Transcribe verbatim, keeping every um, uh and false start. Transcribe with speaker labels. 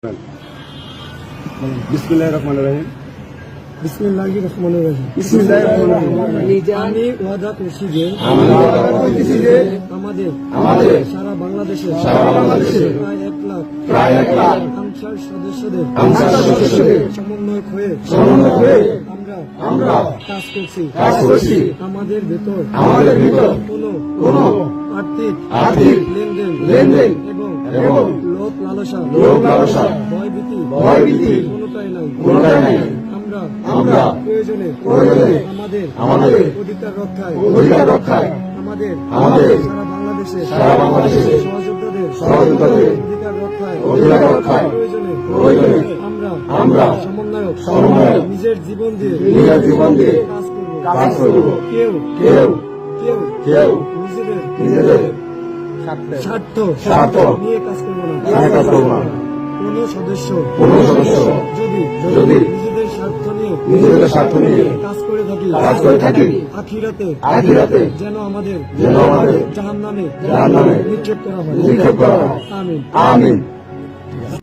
Speaker 1: বিসমিল্লাহির রহমানির রহিম।
Speaker 2: বিসমিল্লাহির রহমানির রহিম।
Speaker 1: বিসমিল্লাহির রহমানির রহিম।
Speaker 2: আমি ওয়াদা করছি যে
Speaker 1: আমি ওয়াদা করতেছি যে
Speaker 2: আমাদের
Speaker 1: আমাদের
Speaker 2: সারা বাংলাদেশে
Speaker 1: সারা বাংলাদেশে
Speaker 2: প্রায় এক লাখ
Speaker 1: প্রায় এক লাখ
Speaker 2: আনসার সদস্যদের
Speaker 1: আনসার সদস্যদের
Speaker 2: সমন্বয় হয়ে
Speaker 1: সমন্বয় হয়ে
Speaker 2: আমরা
Speaker 1: আমরা
Speaker 2: কাজ করছি
Speaker 1: কাজ করছি।
Speaker 2: আমাদের ভেতর
Speaker 1: আমাদের ভিতর
Speaker 2: কোনো
Speaker 1: কোনো
Speaker 2: আর্থিক
Speaker 1: আর্থিক
Speaker 2: লেনদেন
Speaker 1: লেনদেন
Speaker 2: এবং
Speaker 1: এবং
Speaker 2: লোভ লালসা
Speaker 1: লোভ লালসা
Speaker 2: ভয়ভীতি
Speaker 1: ভয়ভীতি
Speaker 2: কোনোটাই নাই
Speaker 1: কোনোটাই নাই।
Speaker 2: আমরা
Speaker 1: আমরা
Speaker 2: প্রয়োজনে
Speaker 1: প্রয়োজনে
Speaker 2: আমাদের
Speaker 1: আমাদের
Speaker 2: অধিকার রক্ষায়
Speaker 1: অধিকার রক্ষায়
Speaker 2: আমাদের
Speaker 1: আমাদের
Speaker 2: সারা বাংলাদেশে
Speaker 1: সারা বাংলাদেশে
Speaker 2: সহযোদ্ধাদের
Speaker 1: সহযোদ্ধাদের
Speaker 2: অধিকার রক্ষায়
Speaker 1: অধিকার রক্ষায়
Speaker 2: প্রয়োজনে
Speaker 1: প্রয়োজনে
Speaker 2: আমরা
Speaker 1: আমরা
Speaker 2: সমন্বয়ক
Speaker 1: সমন্বয়ক
Speaker 2: নিজের জীবন দিয়ে
Speaker 1: নিজের জীবন দিয়ে
Speaker 2: কাজ করব
Speaker 1: কাজ করব।
Speaker 2: কেউ
Speaker 1: কেউ
Speaker 2: কেউ
Speaker 1: কেউ
Speaker 2: নিজেদের
Speaker 1: নিজেদের
Speaker 2: স্বার্থ
Speaker 1: স্বার্থ
Speaker 2: নিয়ে কাজ করব না
Speaker 1: নিয়ে কাজ করব না।
Speaker 2: কোন সদস্য
Speaker 1: কোন সদস্য
Speaker 2: যদি
Speaker 1: যদি
Speaker 2: নিজেদের স্বার্থ নিয়ে
Speaker 1: নিজেদের স্বার্থ নিয়ে
Speaker 2: কাজ করে থাকি
Speaker 1: কাজ করে থাকি
Speaker 2: আখিরাতে
Speaker 1: আখিরাতে
Speaker 2: যেন আমাদের
Speaker 1: যেন আমাদের
Speaker 2: জাহান্নামে
Speaker 1: জাহান্নামে
Speaker 2: নিক্ষেপ করা হয়
Speaker 1: নিক্ষেপ করা হয়।
Speaker 2: আমিন
Speaker 1: আমিন।